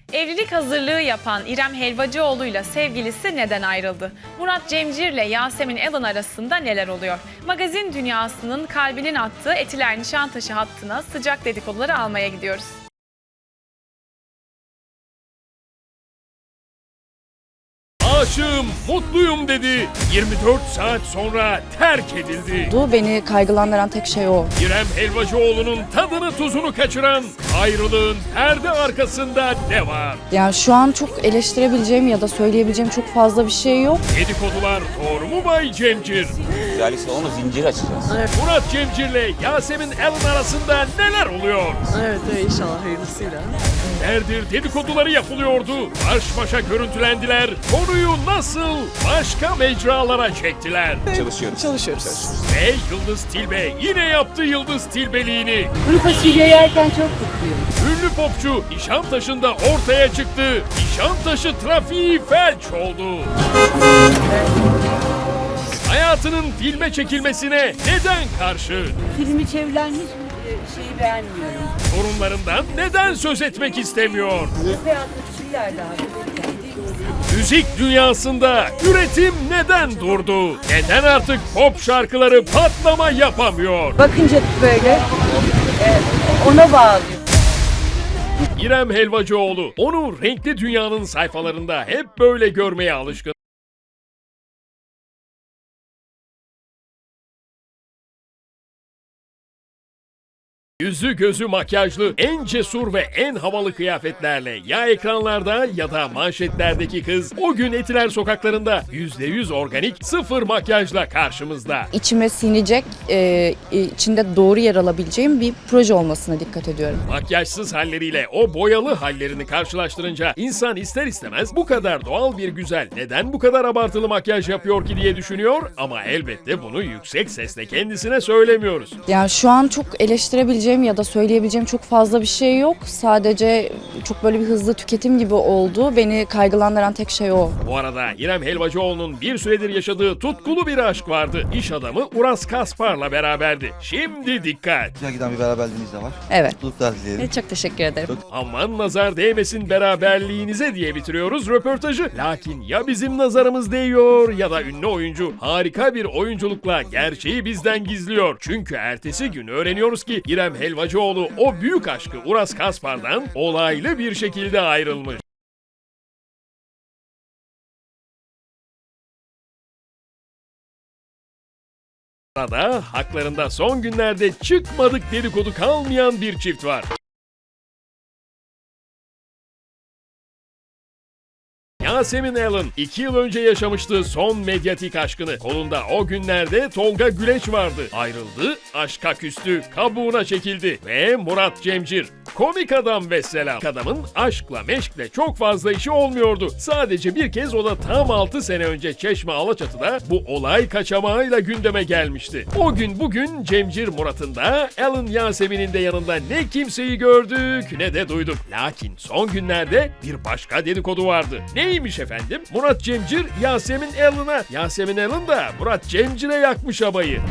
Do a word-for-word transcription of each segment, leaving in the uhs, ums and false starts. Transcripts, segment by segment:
Evlilik hazırlığı yapan İrem Helvacıoğlu ile sevgilisi neden ayrıldı? Murat Cemcir ile Yasemin Allen arasında neler oluyor? Magazin dünyasının kalbinin attığı Etiler Nişantaşı hattına sıcak dedikoduları almaya gidiyoruz. Aşığım, mutluyum dedi. yirmi dört saat sonra terk edildi. Beni kaygılandıran tek şey o. İrem Helvacıoğlu'nun tadını tuzunu kaçıran ayrılığın perde arkasında ne var? Yani şu an çok eleştirebileceğim ya da söyleyebileceğim çok fazla bir şey yok. Dedikodular doğru mu Bay Cemcir? Güzellik salonu zincir açacağız. Murat Cemcir'le Yasemin Allen arasında neler oluyor? Evet, evet inşallah hayırlısıyla. Nerdir dedikoduları yapılıyordu. Baş başa görüntülendiler. Konuyu nasıl başka mecralara çektiler? Çalışıyoruz. Çalışıyoruz. Ve Yıldız Tilbe yine yaptı Yıldız Tilbeliğini. Kuru fasulye yerken çok mutluyum. Ünlü popçu Nişantaşı'nda ortaya çıktı. Nişantaşı trafiği felç oldu. Hayatının filme çekilmesine neden karşı? Filmi çevrilen hiçbir şeyi beğenmiyorum. Sorunlarından neden söz etmek istemiyor? Hayatta küçüklerdi abi. Müzik dünyasında üretim neden durdu? Neden artık pop şarkıları patlama yapamıyor? Bakınca böyle e, ona bağlıyor. İrem Helvacıoğlu onu renkli dünyanın sayfalarında hep böyle görmeye alışkın. Yüzü gözü makyajlı, en cesur ve en havalı kıyafetlerle ya ekranlarda ya da manşetlerdeki kız o gün Etiler sokaklarında yüzde yüz organik, sıfır makyajla karşımızda. İçime sinecek, e, içinde doğru yer alabileceğim bir proje olmasına dikkat ediyorum. Makyajsız halleriyle o boyalı hallerini karşılaştırınca insan ister istemez bu kadar doğal bir güzel neden bu kadar abartılı makyaj yapıyor ki diye düşünüyor ama elbette bunu yüksek sesle kendisine söylemiyoruz. Yani şu an çok eleştirebileceğim ya da söyleyebileceğim çok fazla bir şey yok. Sadece çok böyle bir hızlı tüketim gibi oldu. Beni kaygılandıran tek şey o. Bu arada İrem Helvacıoğlu'nun bir süredir yaşadığı tutkulu bir aşk vardı. İş adamı Uras Kaspar'la beraberdi. Şimdi dikkat! Güzel giden bir beraberliğiniz de var. Evet. Mutluluklar dileyelim. Çok teşekkür ederim. Aman nazar değmesin beraberliğinize diye bitiriyoruz röportajı. Lakin ya bizim nazarımız değiyor ya da ünlü oyuncu harika bir oyunculukla gerçeği bizden gizliyor. Çünkü ertesi gün öğreniyoruz ki İrem Helvacıoğlu o büyük aşkı Uras Kaspar'dan olaylı bir şekilde ayrılmış. Sırada haklarında son günlerde çıkmadık dedikodu kalmayan bir çift var. Yasemin Allen iki yıl önce yaşamıştı son medyatik aşkını. Kolunda o günlerde Tolga Güleç vardı. Ayrıldı, aşka küstü, kabuğuna çekildi. Ve Murat Cemcir. Komik adam vesselam. Adamın aşkla meşkle çok fazla işi olmuyordu. Sadece bir kez o da tam altı sene önce Çeşme Alaçatı'da bu olay kaçamağıyla gündeme gelmişti. O gün bugün Cemcir Murat'ın da Allen Yasemin'in de yanında ne kimseyi gördük ne de duyduk. Lakin son günlerde bir başka dedikodu vardı. Neymiş efendim? Murat Cemcir Yasemin Allen'a, Yasemin Allen da Murat Cemcir'e yakmış abayı.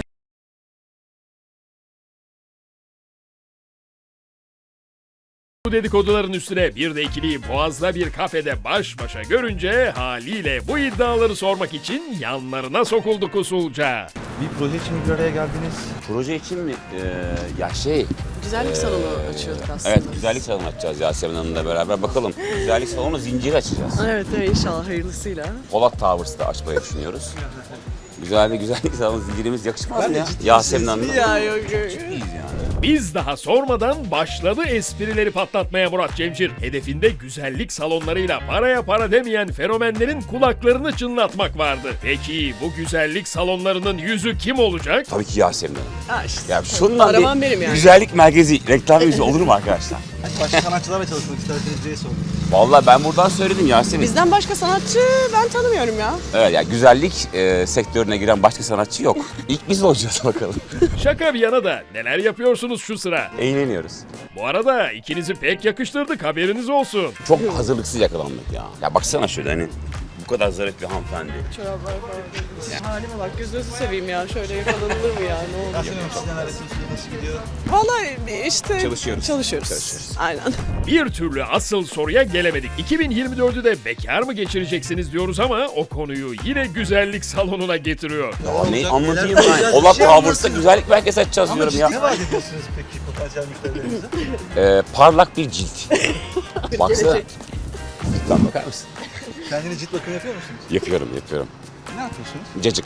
Bu dedikoduların üstüne bir de ikiliyi Boğaz'da bir kafede baş başa görünce haliyle bu iddiaları sormak için yanlarına sokulduk usulca. Bir proje için bir araya geldiniz. Proje için mi? Ee, ya şey... Güzellik salonu açıyorduk aslında. Evet, güzellik salonu açacağız Yasemin Hanım'la beraber. Bakalım, güzellik salonu zincir açacağız. Evet, evet inşallah hayırlısıyla. Polat Towers'da açmayı düşünüyoruz. Güzel bir güzellik salonu zincirimiz yakışmaz mı ya? Yasemin Hanım'la. Ya yok yok. İyiyiz yani. Biz daha sormadan başladı esprileri patlatmaya Murat Cemcir. Hedefinde güzellik salonlarıyla paraya para demeyen fenomenlerin kulaklarını çınlatmak vardı. Peki bu güzellik salonlarının yüzü kim olacak? Tabii ki Yasemin Hanım. Ha işte. Ya şundan Araman bir benim yani. güzellik merkezi, reklam yüzü olur mu arkadaşlar? Başka sanatçılarla çalışmak isterseniz diye sordum. Vallahi ben buradan söyledim Yasemin. Bizden başka sanatçı ben tanımıyorum ya. Evet ya güzellik e, sektörüne giren başka sanatçı yok. İlk biz olacağız bakalım. Şaka bir yana da neler yapıyorsunuz şu sıra? Eğleniyoruz. Bu arada ikinizi pek yakıştırdık haberiniz olsun. Çok hazırlıksız yakalandık ya. Ya baksana şöyle hani kadar zarif bir hanımefendi. Çoraplar falan. Ya, halime bak gözünüzü seveyim ya. Şöyle yakalanılır mı ya? Ne olur. Yasemin Hanım sizden arasınız nasıl gidiyor? Vallahi işte Çalışıyoruz. Çalışıyoruz. Çalışıyoruz. Aynen. Bir türlü asıl soruya gelemedik. iki bin yirmi dördü de bekar mı geçireceksiniz diyoruz ama o konuyu yine güzellik salonuna getiriyor. Ya ne olacak? anlatayım Neler ben? olacak? Ola Bir şey Towers'ta anlatsın. güzellik merkezi açacağız Ama diyorum ciddi ya. ne vaat ediyorsunuz peki potansiyel müşterilerinize? Ee, parlak bir cilt. Baksana. Ciltten bakar mısın? Kendine cilt bakımı yapıyor musunuz? Yapıyorum, yapıyorum. Ne yapıyorsunuz? Cacık.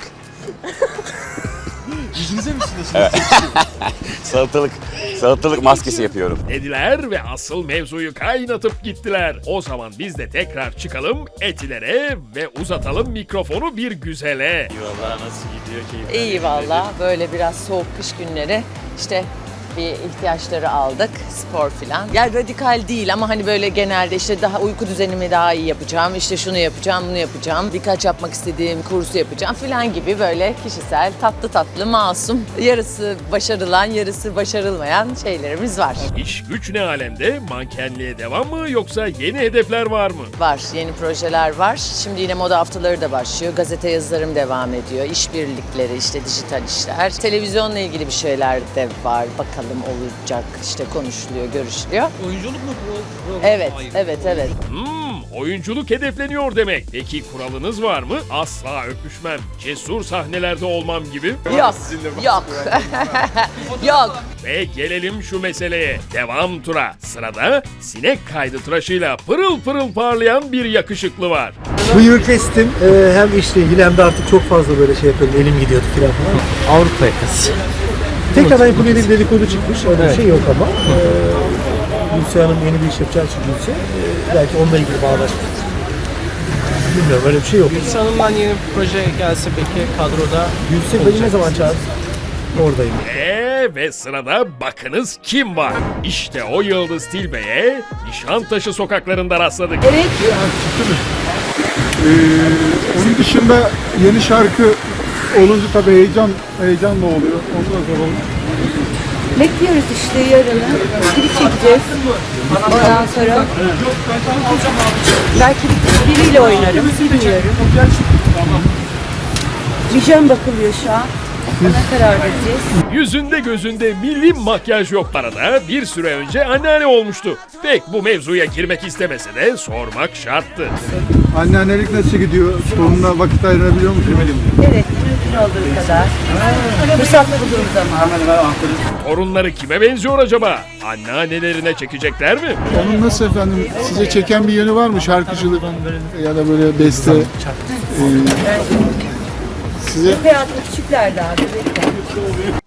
Yüzünüze mi sürüyorsunuz? Salatalık. Salatalık maskesi yapıyorum. Dediler ve asıl mevzuyu kaynatıp gittiler. O zaman biz de tekrar çıkalım Etiler'e ve uzatalım mikrofonu bir güzele. İyi valla. Böyle biraz soğuk kış günleri işte bir ihtiyaçları aldık. Spor filan. Yani radikal değil ama hani böyle genelde işte daha uyku düzenimi daha iyi yapacağım. İşte şunu yapacağım, bunu yapacağım. Birkaç yapmak istediğim kursu yapacağım filan gibi böyle kişisel, tatlı tatlı, masum. Yarısı başarılan, yarısı başarılmayan şeylerimiz var. İş güç ne alemde? Mankenliğe devam mı yoksa yeni hedefler var mı? Var, yeni projeler var. Şimdi yine moda haftaları da başlıyor. Gazete yazılarım devam ediyor. İşbirlikleri, işte dijital işler. Televizyonla ilgili bir şeyler de var. Bakalım olacak, işte konuşuluyor, görüşülüyor. Oyunculuk mu bu? Evet, evet, evet. Hmm, oyunculuk hedefleniyor demek. Peki kuralınız var mı? Asla öpüşmem, cesur sahnelerde olmam gibi. Yok, yok. Yok. Ve gelelim şu meseleye. Devam tura. Sırada sinek kaydı tıraşıyla pırıl pırıl parlayan bir yakışıklı var. Bıyığı kestim. Ee, hem işle ilgili hem de artık çok fazla böyle şey yapıyordum. Elim gidiyordu falan falan. Avrupa yakası. Tekrardan yapılıyor diye bir dedikodu çıkmış. Öyle bir şey yok ama. Ee, Gülse Hanım yeni bir iş yapacağı için Gülse. Ee, belki onunla ilgili bağlaşmış. Bilmiyorum öyle bir şey yok. Gülse Hanım'dan yeni bir proje gelse peki kadroda Gülse beni ne zaman çağırdı? Oradayım. Ee, ve sırada bakınız kim var. İşte o Yıldız Tilbe'ye Nişantaşı sokaklarında rastladık. Onun dışında yeni şarkı olunca tabii heyecan heyecanla oluyor. Ondan sonra Bekliyoruz işte yarını. Klip çekeceğiz. Ondan sonra belki biriyle oynarım, bilmiyorum. Vijen bakılıyor şu an. Ona karar vereceğiz. Yüzünde gözünde milli makyaj yok arada bir süre önce anneanne olmuştu. Pek bu mevzuya girmek istemese de sormak şarttı. anneannelik nasıl gidiyor? Torununa vakit ayırabiliyor musun? Evet, mümkün olduğu kadar. Fırsat bulduğum zaman. Torunları kime benziyor acaba? Anneannelerine çekecekler mi? Onun nasıl efendim? Size çeken bir yönü var mı? Şarkıcılık ya da böyle beste. Ee, size Hayatlı küçükler daha. bebekler.